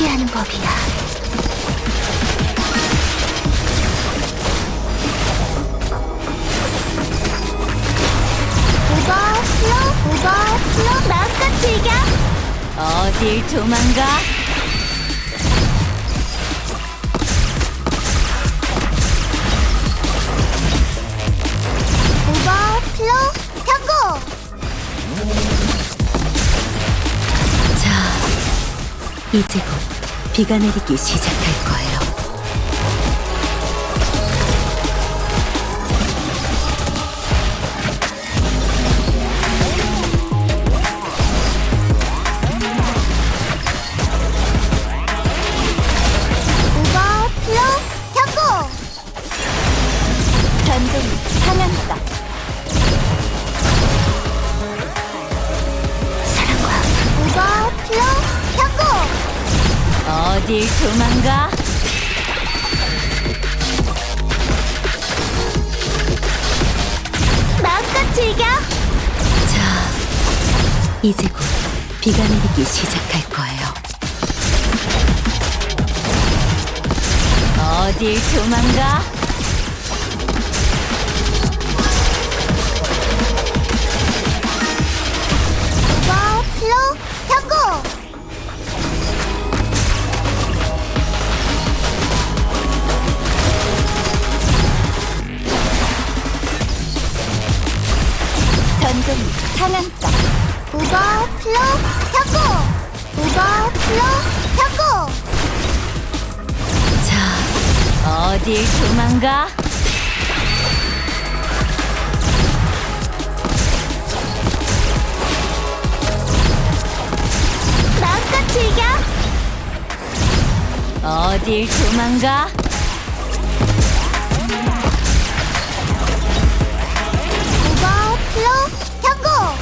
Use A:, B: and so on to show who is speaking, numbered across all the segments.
A: 포기하는 법이야. 오버, 마음껏 즐겨.
B: 어딜 도망가?
A: 오버플로 경고!
B: 자, 이제 곧 비가 내리기 시작할 거예요.
A: 오버플로 경고!
B: 전동이 상한다.
A: 오버플로 경고!
B: 어딜 도망가?
A: 마음껏 즐겨!
B: 자, 이제 곧 비가 내리기 시작할 거예요. 어딜 도망가?
A: 오버플로 경고!
B: 전동이 상한다.
A: 오버플로 경고! 오버플로 경고!
B: 자, 어딜 도망가?
A: 마음껏 즐겨!
B: 어딜 도망가?
A: 오버플로 경고!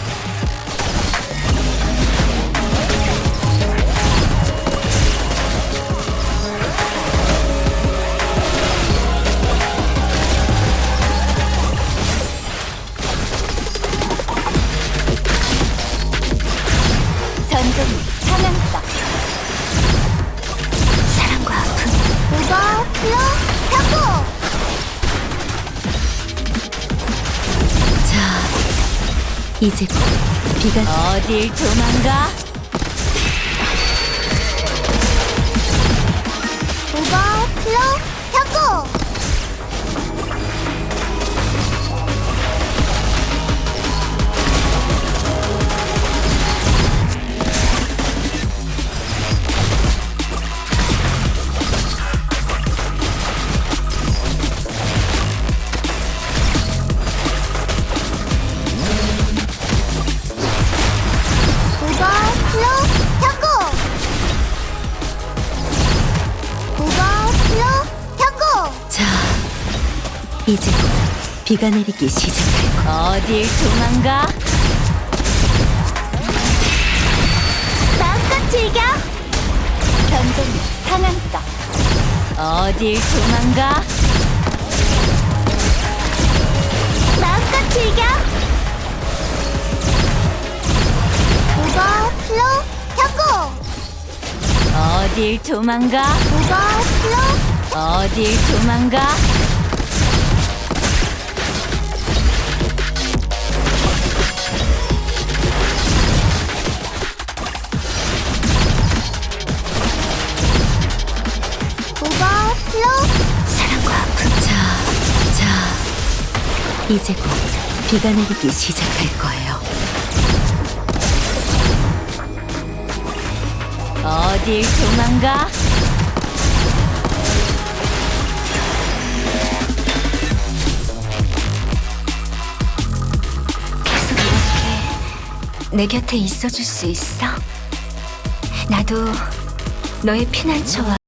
B: 전동이 상한다.
A: 사랑과 아픔. 오버플로 경고!
B: 자, 이제 곧 비가 어딜 도망가?
A: 오버플로 경고! 오버플로 경고! 오버플로 경고!
B: 자, 이제 곧 비가 내리기 시작할 거예요. 어딜 도망가?
A: 마음껏 즐겨!
B: 전동이 상한다. 어딜 도망가?
A: 마음껏 즐겨! 오버플로 경고!
B: 어딜 도망가?
A: 오버플로
B: 어딜 도망가?
A: 오버플로 사랑과 아픔.
B: 자, 이제 곧 비가 내리기 시작할 거예요. 어딜 도망가?
A: 계속 이렇게 내 곁에 있어줄 수 있어? 나도 너의 피난처와